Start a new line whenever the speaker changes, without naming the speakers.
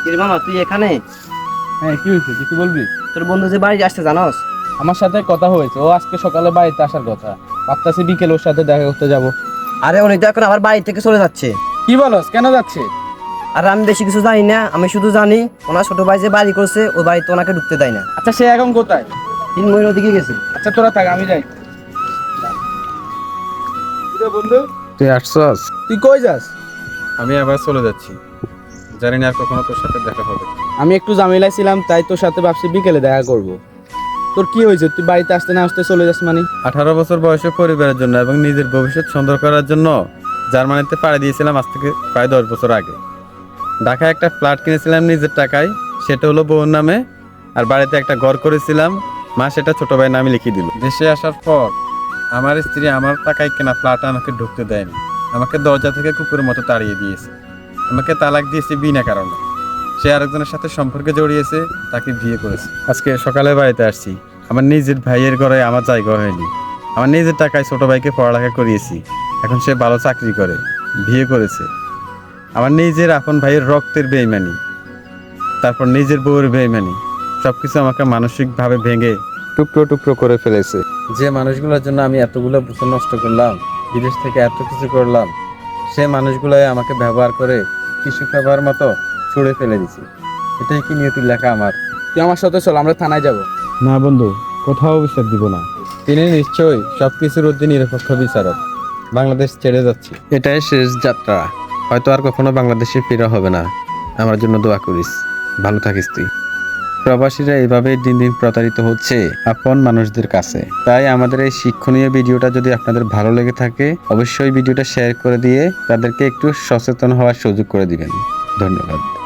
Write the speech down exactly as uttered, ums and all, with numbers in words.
কিরে মামা তুই এখানে?
হ্যাঁ, কি হয়েছে? কিছু বলবি?
তোর বন্ধু যে বাড়ি আসছে জানোস?
আমার সাথে কথা হয়েছে, ও আজকে সকালে বাড়িতে আসার কথা। ভাবতাছি বিকেল ওর সাথে দেখা করতে যাব।
আরে উনি তো এখন আবার বাড়ি থেকে চলে যাচ্ছে।
কি বলস? কেন যাচ্ছে?
আর আমি বেশি কিছু জানি না, আমি শুধু জানি ওনার ছোট ভাই যে বাড়ি করছে ওই বাড়িতে ওনাকে ঢুকতে দেয় না।
আচ্ছা, সে এখন কোথায়?
তিন মহিলা ওদিকে গেছে।
আচ্ছা, তোরা থাক, আমি যাই। বন্ধু,
তুই আসছস?
তুই কই যাস?
আমি আবার চলে যাচ্ছি, জানি না আর কখনো তোর সাথে দেখা হবে।
আমি একটু ঝামেলায় ছিলাম, তাই তোর সাথে ভাবছি বিকেলে দেখা করব। তোর কি হয়েছে? তুই বাড়িতে আসতে না আসতে চলে যাস মানে?
আঠারো বছর বয়সে পরিবারের জন্য এবং নিজের ভবিষ্যৎ সুন্দর করার জন্য জার্মানিতে পাড়ি দিয়েছিলাম আজ থেকে প্রায় দশ বছর আগে। ঢাকায় একটা ফ্ল্যাট কিনেছিলাম নিজের টাকায়, সেটা হলো বউর নামে। আর বাড়িতে একটা ঘর করেছিলাম, মা সেটা ছোট ভাইয়ের নামে লিখিয়ে দিল। দেশে আসার পর আমার স্ত্রী আমার টাকায় কেনা ফ্ল্যাটে আমাকে ঢুকতে দেয়নি, আমাকে দরজা থেকে কুকুরের মতো তাড়িয়ে দিয়েছে। আমাকে তালাক দিয়েছে বিনা কারণে। সে আরেকজনের সাথে সম্পর্কে জড়িয়েছে, তাকে বিয়ে করেছে। আজকে সকালে বাড়িতে আসছি, আমার নিজের ভাইয়ের ঘরে আমার জায়গা হয়নি। আমার নিজের টাকায় ছোট ভাইকে পড়ালেখা করিয়েছি, এখন সে ভালো চাকরি করে, বিয়ে করেছে। আমার নিজের আপন ভাইয়ের রক্তের বেইমানি, তারপর নিজের বউয়ের বেইমানি, সবকিছু আমাকে মানসিকভাবে ভেঙে টুকরো টুকরো করে ফেলেছে। যে মানুষগুলোর জন্য আমি এতগুলো বছর নষ্ট করলাম, বিদেশ থেকে এত কিছু করলাম, সে মানুষগুলোই আমাকে ব্যবহার করে টিস্যু পেপার মতো ছুঁড়ে ফেলে দিছে। এটাই কি নিয়তির লেখা আমার?
তুই আমার সাথে চল, আমরা থানায় যাব।
না বন্ধু, কোথাও বিচার দিব না। তিনি নিশ্চয়ই সবকিছুর অধীন নিরপেক্ষ বিচারক। বাংলাদেশ ছেড়ে যাচ্ছি, এটাই শেষ যাত্রা। হয়তো আর কখনো বাংলাদেশে ফিরে হবে না। আমার জন্য দোয়া করিস, ভালো থাকিস তুই। প্রবাসীরা এইভাবেই দিন দিন প্রতারিত হচ্ছে আপন মানুষদের কাছে। তাই আমাদের এই শিক্ষণীয় ভিডিওটা যদি আপনাদের ভালো লেগে থাকে, অবশ্যই ভিডিওটা শেয়ার করে দিয়ে তাদেরকে একটু সচেতন হওয়ার সুযোগ করে দিবেন। ধন্যবাদ।